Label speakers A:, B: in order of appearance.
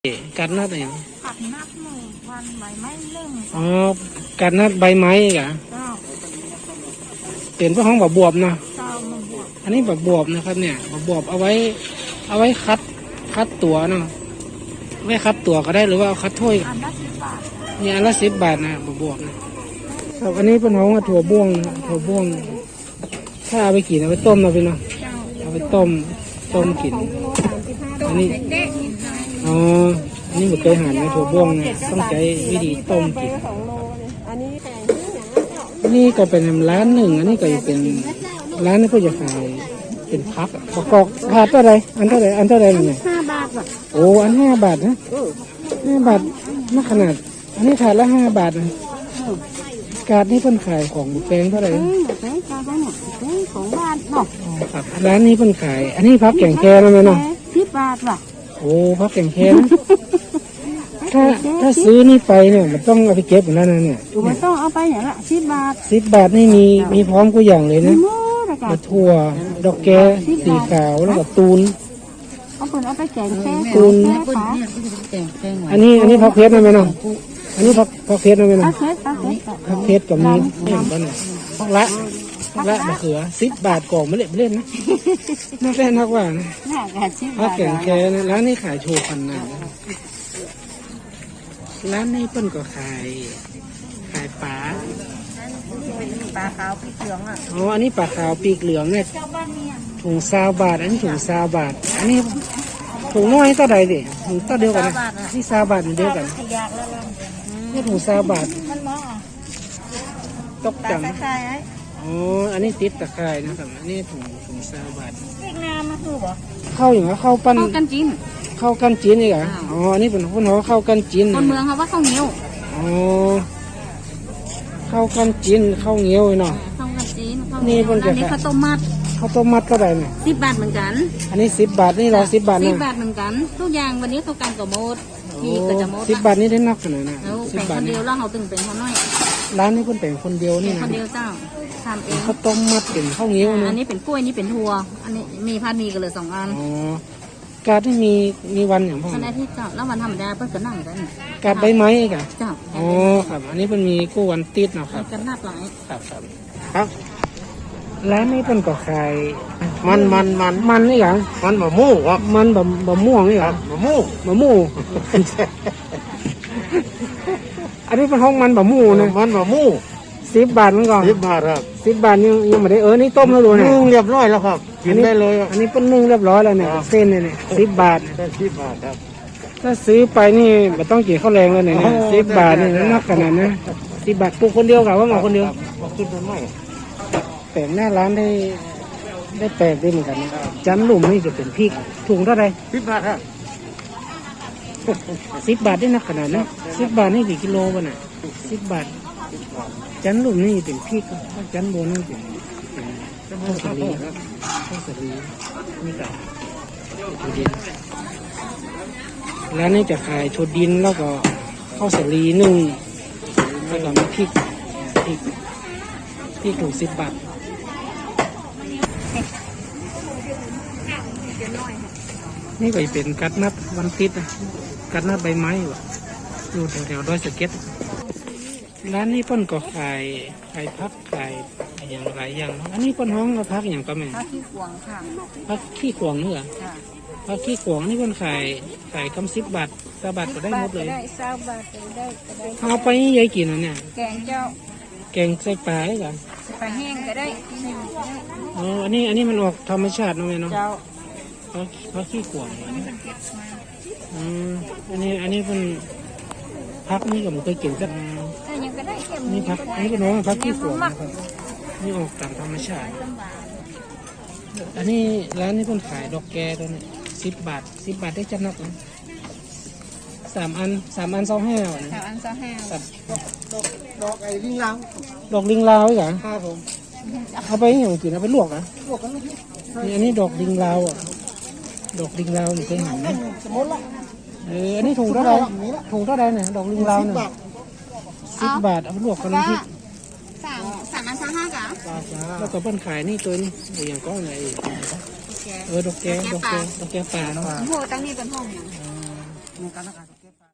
A: กัดนัดอะไรอย่าง
B: ผักนัดหนึ่งวันใบไม้เล่ง
A: อ๋อกัดนัดใบไม้กะ
B: เจ้า
A: เปลี่ยนพวกห้องแบบบวบนะ
B: เจ้ามันบวก
A: อันนี้แบบบวบนะครับเนี่ยแบบบวบเอาไว้คัดตัวเนาะไว้คัดตัวก็ได้หรือว่าเอาคัดถ้วย
B: อันละ10 บาท
A: นี่อันละ10 บาทนะแบบบวบนะครับอันนี้เป็นห้องถั่วบ้วงนะถั่วบ้วงถ้าเอาไปกินเอาไปต้มนะพี่เนาะ
B: เจ้า
A: เอาไปต้มกินอันนี้
B: เด็กๆกินได้
A: อ๋ออันนี้ผมเคยหั่นนะถั่วบ้วงนะต้องใช้วิธีต้มกิน
C: อันนี้แพงที่ไหน
A: อันนี้ก็เป็นร้านหนึ่งอันนี้ก็เป็นร้านที่เขาจะขายเป็นพักประกอบถาดเท่าไรอันเท่าไรเนี่ย
B: 5 บาทว่ะ
A: โอ้อัน5 บาทนะ5 บาทน่าขนาดอันนี้ถาดละ5 บาทนะการนี่เพิ่นขายของแพงเท่าไหร่
B: แพงจ้าได้เนี่ยแพงของบ้านเนาะ
A: ครับร้านนี้เพิ่นขายอันนี้พักแกงแคนะแม่เนาะ
B: 10 บาทว่ะ
A: โอ้พักแกงแคนะถ้าซื้อนี่ไปเนี่ยมันต้องเอาไปเก็บอยู่แล้วนะเนี่ย
B: มันต้องเอาไปอย่างละ10 บาท
A: 10 บาทนี่มีพร้อมทุกอย่างเลยนะ
B: ม
A: ะถั่วดอกแกสีขาวแล้วก็ตูน
B: เอาไปแกงแค่
A: ตูนอันนี้พักเพชรนะแม่น้องอันนี้พักเพชรนะแม่น้องพักเพชรกับมีอย่างบ้านเนี่ยพักละมะเขือ10 บาทกล่องไม่เล่นนะน่าแฟนนักว่านะพักแกงแค่นะร้านนี้ขายโชว์พันนาร้านนี้เปิ้นก็ขายปลา
B: ขาวปีกเหลืองอ่ะ
A: อ๋ออันนี้ปลาขาวปีกเหลืองเนี่ยถุง20 บาทอันนี้ถุง20 บาทอันนี้ถุงน้อยเท่าใดดิถุงเท่าเดียวกันนะนี่20 บาทเดียวกันนี่ถุง20 บาท
B: มันมอง
A: ตกจัง
B: ไอ้
A: อ๋ออันนี้ติดตะไคร้นะครับอันนี้ถุง20 บาท
B: เด็กน้ำมาคือบ่
A: เข้าอย่างว่าเข้าปั้น
B: กันจีน
A: เข้ากันจีนนี่เหรออ๋ออันนี้เป็นคนเขาเข้ากันจีน
B: คนเมืองเขาว่าข้าวเหนียว
A: อ๋อเข้ากันจีนเข้าเงี้ยวเนาะ
B: ข้าวกันจีนนี่เป็นอันนี้ข้าวต้มมัด
A: ก็ได้เนี่ย
B: 10 บาทเหมือนกัน
A: อันนี้10 บาทนี่เรา10 บาทนะ
B: 10 บาทเหมือนกันทุกอย่างวันนี้เท่ากันกับหมดมีก็จะหมด
A: 10 บาทนี่ได้นักขนาดน่ะ
B: 10 บาทเดียวแล้วเขาตึงเป็นเขาน้อย
A: ร้านนี้คนแต่งคนเดียวนี่นะ
B: คนเดียวเจ้าทำเอง
A: ข้าวต้มมัดเป็นข้าวเงี้ยวนะ
B: อันนี้เป็นกล้วยนี่เป็นถั่วอันนี้มีพัดมีกันเลย2 อัน
A: อ๋อการที่มีวันอย่างพ่อ
B: วันอาทิตย์เจ้าแล้ววันธรรมดาเพิ่งก็นั่งกัน
A: การใบไม้กัน
B: เจ้า
A: อ๋อครับอันนี้เป็นมีกู้วันติดเนาะครับ
B: กันนับหลาย
A: ครับร้านนี้เป็นก็ขายมันนี่หรอ
C: มันมะม่วงครับ
A: มันบะม่วงนี่หรอ
C: มะม่วง
A: อันนี้เป็นห้องมันบะม่วงนะ
C: มันมะม่วง
A: 10 บาทมันก่อน
C: 10 บาทครับ
A: 10 บาทยังไม่ได้นี่ต้มแล้วดูเนี่ย
C: นึ่งเรียบร้อยแล้วครับกินได้เลย
A: อันนี้เป็นนึ่งเรียบร้อยแล้วเนี่ยเส้นเนี่ย10 บาท
C: 10 บาทครับ
A: ถ้าซื้อไปนี่ไม่ต้องกินข้าวแรงแล้วเนี่ย10 บาทนี่นักขนาดนะ10 บาทปลูกคนเดียวกับว่าหมอคนเดียว
C: คิดดูไม่
A: แต่หน้าร้านได้แปลกได้เหมือนกันนะจันหลุมนี่จะเป็นพริกถุงเท่าไหร่
C: 10 บาทครับ
A: 10 บาทได้นักขนาดนะ10 บาทนี่กี่กิโลวะน่ะ10 บาทจันหลุมนี่เป็นพริกจันโบนี่เป็นข้าวสาลีนี่กับถั่วดินร้านนี้จะขายถั่วดินแล้วก็ข้าวสาลี1แล้วก็มีพริกถุง10 บาทนี่ก็เป็นกัดนัดวันติดนะกัดนัดใบไม้อยู่แถวดอยสะเก็ดร้านนี้เปิ้นก็ขายพักขายอย่างไรอย่างอันนี้เปิ้นห้องก็พักอย่างก็แม่
B: พักขี้ขวางค่ะ
A: พักขี้ขวางนี่เหรอพักขี้ขวางนี่เปิ้นขายกำ10 บาท20 บาทก็ได้หมดเลย
B: ได้20 บาทก็ได้
A: เอาไปยายกินเนี่ย
B: แกงเจ้า
A: แกงใส่ปลาได้เหรอ
B: ปลาแห้งก็ได้
A: อ๋ออันนี้มันออกธรรมชาติเนาะแม่เนาะ
B: เจ้า
A: พักขี้ขวางอันนี้เป็นพักนี่ก็มันเคยกินสักนี่พักอันนี้ก็น้องพักขี้ขวางนะครับนี่ออกตามธรรมชาติอันนี้ร้านนี้คนขายดอกแกตัวนี้10 บาทได้จัดนักนะ3 อัน25นะ
B: 3 อัน 25
C: ดอกไอ้ลิงลาว
A: ดอกลิงลาวเหรอ
C: ครับผม
A: เอาไปอย่างกินเอาไปลวกนะนี่อันนี้ดอกลิงลาวอ่ะดอกลิงลาวนี่เคยเห็นไหมอันนี้ถุงเท่าไรเนี่ยดอกลิงลาวเนี่ย10 บาทเอาไปลวกกันน้ำพริก
B: 3 อัน 25จ้ะ
A: แล้วก็เปิ้นขายนี่ตัวนี้อย่างก้อนไหนดอกแกปลาเนาะ
B: โอ้ตั้งนี่เป็นห้อง
C: มีการรักษาเก็บ